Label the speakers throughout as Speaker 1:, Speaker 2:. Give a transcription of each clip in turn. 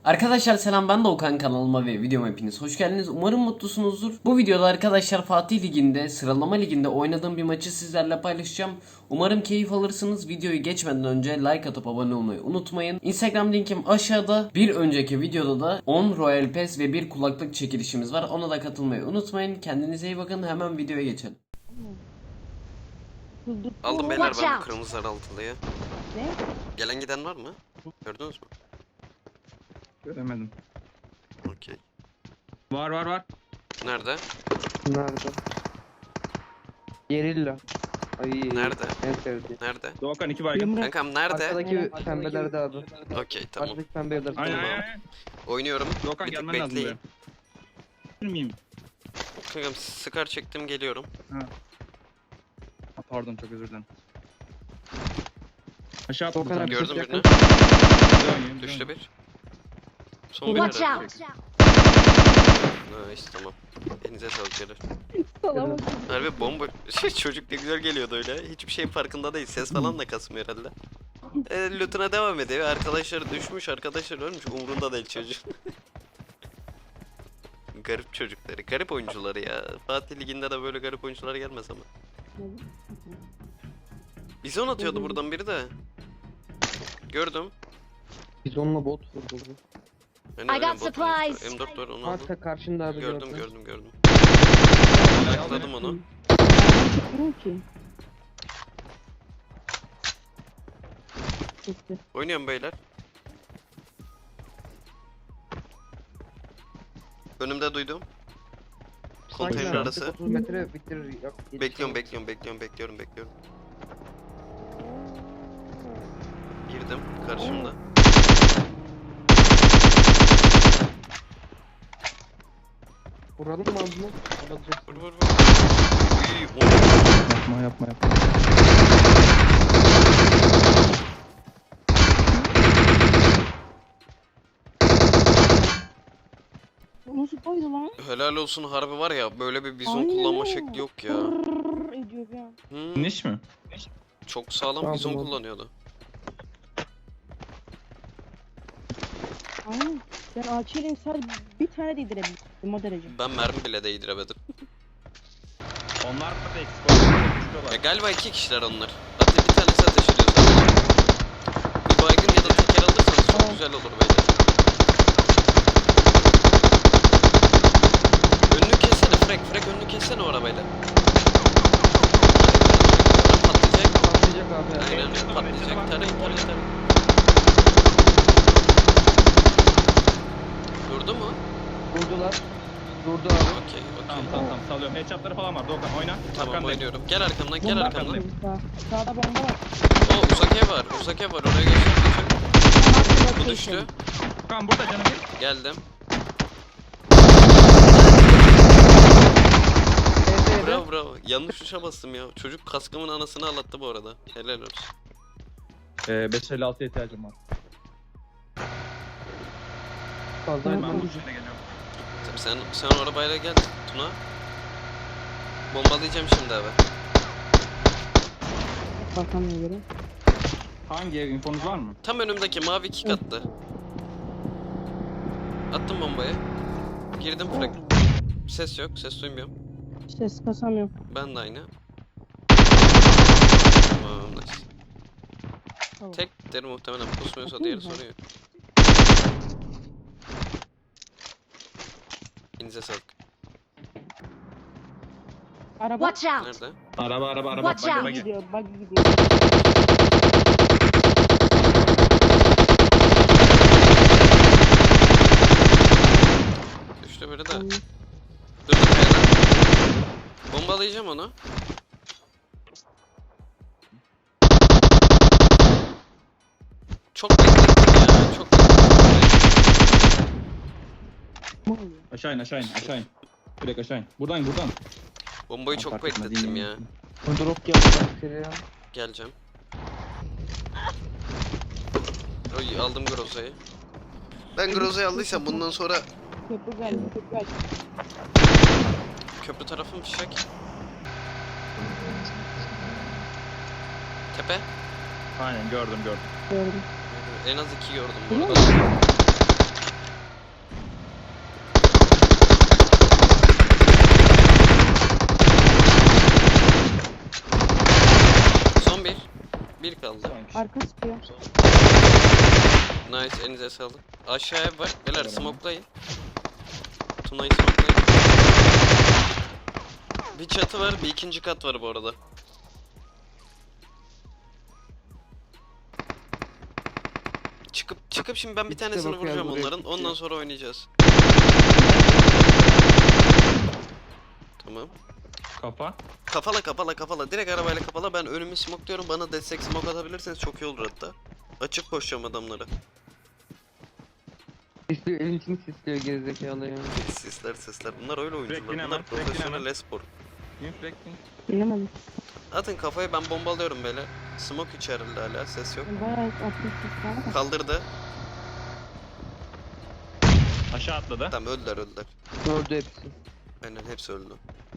Speaker 1: Arkadaşlar selam, ben Doğukan, kanalıma ve videoma hepiniz hoş geldiniz. Umarım mutlusunuzdur. Bu videoda arkadaşlar Fatih Ligi'nde, sıralama liginde oynadığım bir maçı sizlerle paylaşacağım. Umarım keyif alırsınız. Videoyu geçmeden önce like atıp abone olmayı unutmayın. Instagram linkim aşağıda. Bir önceki videoda da 10 Royal Pass ve bir kulaklık çekilişimiz var. Ona da katılmayı unutmayın. Kendinize iyi bakın. Hemen videoya geçelim.
Speaker 2: Aldım beyler ben bu kırmızı altılıya.
Speaker 3: Ne?
Speaker 2: Gelen giden var mı? Gördünüz mü?
Speaker 4: Göremedim.
Speaker 2: Okey.
Speaker 4: Var.
Speaker 2: Nerede?
Speaker 5: Nerede? Gerilla. Ay.
Speaker 2: Nerede?
Speaker 5: En sevdiğim.
Speaker 2: Nerede?
Speaker 4: Doğukan 2 baygın.
Speaker 3: Yumruk.
Speaker 2: Kankam nerede?
Speaker 5: Arkadaki pembelerde abi.
Speaker 2: Okey tamam.
Speaker 5: Arkadaki pembe yerler.
Speaker 4: Aynen.
Speaker 2: Oynuyorum.
Speaker 4: Doğukan
Speaker 2: Bir tık
Speaker 4: gelmen lazım
Speaker 2: bekleyin.
Speaker 4: buraya. Miyim?
Speaker 2: Kankam sıkar çektim, geliyorum.
Speaker 4: Ha, pardon çok özür dilerim. Aşağı atladım.
Speaker 5: Doğukan abi.
Speaker 2: Gördüm
Speaker 5: çok
Speaker 2: birini.
Speaker 5: yakın.
Speaker 2: Düştü bir. Son bir
Speaker 3: Watch
Speaker 2: herhalde.
Speaker 3: out.
Speaker 2: Nice tamam. Elinize sağlık beyler.
Speaker 3: Salama.
Speaker 2: Harbi bomba. Çocuk ne güzel geliyordu öyle. Hiçbir şeyin farkında değil. Ses falan da kasmıyor herhalde. Lootuna devam ediyor. Arkadaşları düşmüş, arkadaşlar ölmüş. Umrunda değil çocuk. Garip çocukları, garip oyuncuları ya. Fatih Ligi'nde de böyle garip oyuncular gelmez ama. Bizon atıyordu buradan biri de. Gördüm.
Speaker 5: Biz onunla bot vurduk.
Speaker 2: Aynen,
Speaker 3: I got
Speaker 2: botun üstü.
Speaker 3: supplies.
Speaker 2: M4 var, onu aldım.
Speaker 5: Varsa karşında abi.
Speaker 2: Gördüm.
Speaker 4: Aldım.
Speaker 2: Atladım onu.
Speaker 3: Çıkmıyor ki. Gitti.
Speaker 2: Oynuyorum beyler. Önümde duydum. Konteyner arası.
Speaker 5: 30 metre bitirir. Yok,
Speaker 2: Bekliyorum. Girdim karşımda.
Speaker 5: Vuralım mı abi bunu? Alacak.
Speaker 2: Vur. Uy, o-
Speaker 4: Yapma.
Speaker 3: Nasıl koydu lan?
Speaker 2: Helal olsun, harbi var ya, böyle bir bizon
Speaker 3: Aynen
Speaker 2: kullanma
Speaker 3: öyle.
Speaker 2: şekli yok ya.
Speaker 3: Rrrr ediyor bir an.
Speaker 4: Niş mi?
Speaker 2: Çok sağlam
Speaker 5: Tamam,
Speaker 2: bizon
Speaker 5: tamam.
Speaker 2: kullanıyordu.
Speaker 3: Aynen. Ben ağaçıyla sadece bir tane değdirebildim o derece.
Speaker 2: Ben mermi bile değdiremedim.
Speaker 4: Onlar da eksik oldu.
Speaker 2: Galiba iki kişiler onlar. Hatta bir tanesi ateş ediyor sadece. Bir baygın ya da teker alırsanız çok
Speaker 3: Tamam.
Speaker 2: güzel olur beyler. Önünü kessene Frek önünü kessene o arabayla. Patlayacak.
Speaker 5: Patlayacak abi.
Speaker 2: Aynen patlayacak. Tarayın. Durdu mu?
Speaker 5: Vurdular. Durdu abi.
Speaker 2: Okey.
Speaker 4: Tamam salıyorum. Headshotları falan var. Doğukan oyna.
Speaker 2: Tamam,
Speaker 4: Arkandayım.
Speaker 2: oynuyorum. Gel arkamdan, gel
Speaker 3: Bomba
Speaker 2: arkamdan.
Speaker 3: attım. Sağda bomba var.
Speaker 2: O uzak ev var. Oraya geçeceğim. Bu düştü.
Speaker 4: Doğukan burada canım bir.
Speaker 2: Geldim.
Speaker 5: Evet.
Speaker 2: Bravo. Yanlış tuşa bastım ya. Çocuk kaskımın anasını ağlattı bu arada. Helal olsun.
Speaker 4: 556'ya ihtiyacım var.
Speaker 5: Fazla
Speaker 3: Tamam.
Speaker 4: Ben
Speaker 5: yapalım.
Speaker 4: bu üstüne geliyorum.
Speaker 2: Tabii sen o arabayla gel Tuna. Bombalayacağım şimdi abi.
Speaker 3: Bakamıyor göre.
Speaker 4: Hangi ev infonuz var mı?
Speaker 2: Tam önümdeki mavi kick attı. Attım bombayı. Girdim Frek. Ses yok, ses duymuyorum.
Speaker 3: Ses kasamıyorum.
Speaker 2: Ben de aynı. Tamam, nice.
Speaker 3: Tamam.
Speaker 2: Tekleri muhtemelen pusmuyorsa diğeri soruyor. İnize sağlık.
Speaker 3: Araba.
Speaker 6: Watch out!
Speaker 2: Nerede?
Speaker 4: Araba.
Speaker 6: Watch out.
Speaker 4: Bagi.
Speaker 3: Gidiyor, buggy gidiyor.
Speaker 2: Düştü biri de.
Speaker 3: Tamam.
Speaker 2: Dur kayadan. Bombalayacağım onu. Çok beklettim ya. Çok beklettim.
Speaker 3: Ne oluyor?
Speaker 4: Aşağı in. Direkt aşağı in. Buradan.
Speaker 2: Bombayı çok
Speaker 4: Fark etmez,
Speaker 2: beklettim
Speaker 4: in.
Speaker 2: ya.
Speaker 5: Drop geldi. Seriye.
Speaker 2: Geleceğim. Oy, aldım Groza'yı. Ben Groza'yı aldıysam bundan sonra
Speaker 3: Köprü geldi, köprü geldi.
Speaker 2: köprü tarafı mı fişek? Tepe.
Speaker 4: Aynen gördüm.
Speaker 3: Gördüm.
Speaker 2: En az 2 gördüm bu
Speaker 3: Biliyor
Speaker 2: arada.
Speaker 3: Arka sıkıyor.
Speaker 2: Nice, elinize sağlık. Aşağıya var. Beyler smokelayın. Tuna'yı smokelayın. Bir çatı var, bir ikinci kat var bu arada. Çıkıp şimdi ben bir
Speaker 5: İkisi de
Speaker 2: tanesini
Speaker 5: bakıyor,
Speaker 2: vuracağım
Speaker 5: buraya
Speaker 2: onların.
Speaker 5: çıkıyor.
Speaker 2: Ondan sonra oynayacağız. Tamam.
Speaker 4: Kafa.
Speaker 2: Kafala. Direkt arabayla kafala. Ben önümü smokluyorum. Bana destek smoke atabilirseniz çok iyi olur hatta. Açık koşacağım adamlara.
Speaker 5: Sisliyor, elin içini sisliyor gerizekalı ya.
Speaker 2: Sesler. Bunlar öyle oyuncular.
Speaker 4: Bekleyin
Speaker 2: Bunlar
Speaker 4: hemen, bekleyin
Speaker 2: profesyonel
Speaker 4: hemen.
Speaker 2: espor.
Speaker 4: Inflecting.
Speaker 3: Bilemedim.
Speaker 2: Atın kafayı, ben bombalıyorum böyle. Smoke içeride hala, ses yok.
Speaker 3: Bayağı atmış var.
Speaker 2: Kaldırdı.
Speaker 4: Aşağı atladı.
Speaker 2: Tamam, öldüler.
Speaker 5: Gördü hepsi.
Speaker 2: Aynen, hepsi öldü.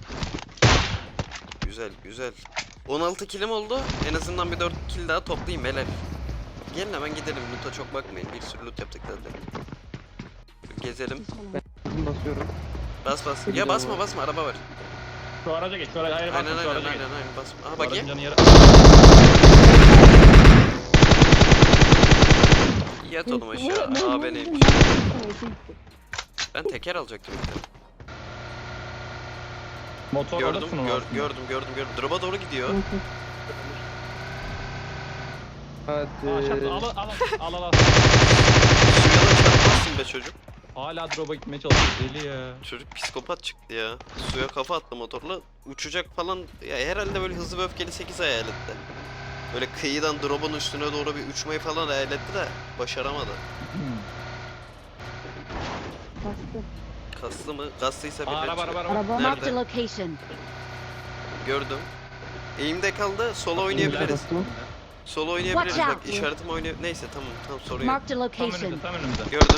Speaker 2: Güzel. 16 killim oldu. En azından bir 4 kill daha toplayayım helal. Gelin hemen gidelim. Loot'a çok bakmayın. Bir sürü loot yaptık zaten. Gezelim.
Speaker 5: Bizim basıyorum.
Speaker 2: Bas. Ya basma, araba var.
Speaker 4: Şu araca geç. Şu araca hayır
Speaker 2: Aynen,
Speaker 4: basma. Şu araca geç.
Speaker 2: basma. Aha
Speaker 4: Şu
Speaker 2: bak
Speaker 4: aracın
Speaker 2: ya.
Speaker 4: canı yarı.
Speaker 2: Yat oğlum aşağı. Aa beneymiş. Ben teker alacaktım ilk de.
Speaker 4: Motor
Speaker 2: Gördüm.
Speaker 4: orada sunum var.
Speaker 2: Drop'a doğru gidiyor.
Speaker 5: Hadi.
Speaker 4: Aa aşağı al.
Speaker 2: Suya da çarpmazsın be çocuk.
Speaker 4: Hala drop'a gitmeye çalışıyor. Deli ya.
Speaker 2: Çocuk psikopat çıktı ya. Suya kafa attı motorla. Uçacak falan. Ya herhalde böyle hızlı ve öfkeli 8 hayal etti. Böyle kıyıdan drop'un üstüne doğru bir uçmayı falan hayal etti de başaramadı.
Speaker 3: Bastı.
Speaker 2: Kaslı mı? Kaslıysa
Speaker 4: Aa,
Speaker 2: birileri
Speaker 4: araba.
Speaker 3: Araba.
Speaker 2: Nerede?
Speaker 6: Marked a location.
Speaker 2: Gördüm. Eğimde kaldı. Solo oynayabiliriz.
Speaker 5: Bastım.
Speaker 2: Solo oynayabiliriz.
Speaker 6: Watch
Speaker 2: Bak
Speaker 6: out.
Speaker 2: işaretim oynay. Neyse tamam sorun yok.
Speaker 6: Marked a
Speaker 4: Tam önümüzde,
Speaker 6: location.
Speaker 4: tam önümüzde.
Speaker 2: Gördüm.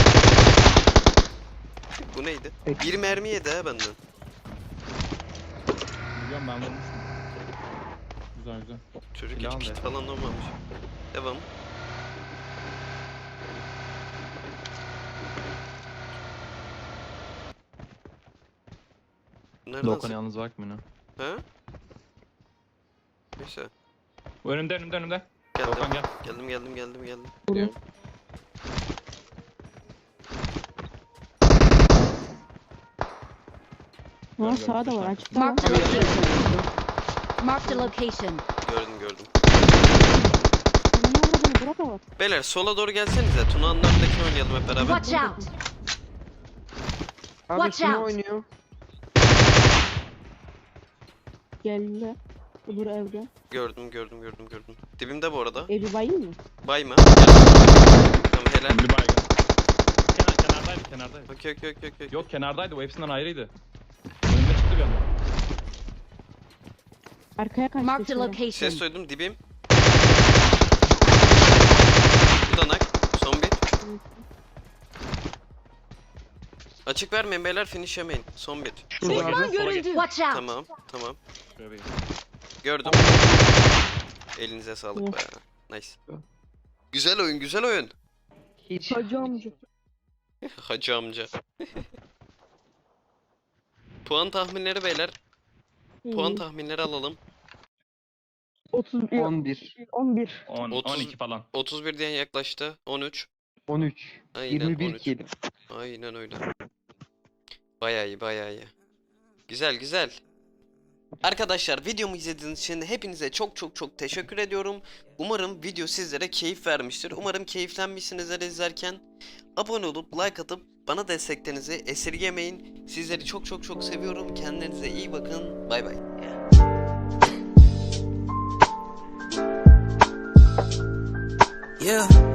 Speaker 2: Bu neydi?
Speaker 5: Peki.
Speaker 2: Bir mermi yedi ha benden.
Speaker 4: Biliyorum ben vurmuştum. Güzel.
Speaker 2: Çocuk
Speaker 4: Silah
Speaker 2: hiç
Speaker 4: ne?
Speaker 2: kit falan olmamış. Devam. Nereden
Speaker 4: Doğukan
Speaker 2: sık-
Speaker 4: yalnız bakmıyor.
Speaker 2: Ha? Neyse.
Speaker 4: Önümde.
Speaker 2: Geldim.
Speaker 4: Doğukan gel.
Speaker 2: Geldim.
Speaker 5: Geliyorum.
Speaker 3: Ha sağa da var açıkta var.
Speaker 6: Marked a location. Marked a location.
Speaker 2: Gördüm.
Speaker 3: Ne oldu bırak ama.
Speaker 2: Beyler sola doğru gelsenize. Tuna'nın önündekini oynayalım hep beraber.
Speaker 6: Watch out.
Speaker 5: Abi
Speaker 6: Watch
Speaker 5: şunu
Speaker 6: out.
Speaker 5: oynuyor.
Speaker 3: Geldi. Öbür evde.
Speaker 2: Gördüm. Dibimde bu arada.
Speaker 3: Evi bayım mı?
Speaker 2: Bayma. Tamam helal.
Speaker 4: Bir baygın. Kenardaydı.
Speaker 2: Okey.
Speaker 4: Yok kenardaydı, bu hepsinden ayrıydı. Önüme çıktı bir anda.
Speaker 3: Arkaya kaçtı.
Speaker 6: Marked a
Speaker 3: şöyle.
Speaker 6: location.
Speaker 2: Ses duydum dibim. Bir danak. Son bir. Açık vermeyin beyler, finish yemeyin. Son bir.
Speaker 5: Şurada abi.
Speaker 4: Sola git.
Speaker 6: Görüldü. Watch out.
Speaker 2: Tamam.
Speaker 4: Şuraya bir git.
Speaker 2: Gördüm. Elinize sağlık be. Nice. Güzel oyun.
Speaker 5: Hiç.
Speaker 3: Hacı amca.
Speaker 2: Hacı amca. Puan tahminleri beyler. Puan tahminleri alalım.
Speaker 3: 31.
Speaker 5: 11.
Speaker 3: 11.
Speaker 4: 10,
Speaker 2: 30.
Speaker 4: 12 falan.
Speaker 2: 31 diyen yaklaştı. 13.
Speaker 5: 13.
Speaker 2: Aynen
Speaker 5: 21
Speaker 2: 13.
Speaker 5: kill.
Speaker 2: Aynen öyle. Bayağı iyi. Güzel. Arkadaşlar videomu izlediğiniz için hepinize çok teşekkür ediyorum. Umarım video sizlere keyif vermiştir. Umarım keyiflenmişsinizdir izlerken. Abone olup like atıp bana desteklerinizi esirgemeyin. Sizleri çok seviyorum. Kendinize iyi bakın. Bay bay.
Speaker 7: Yeah.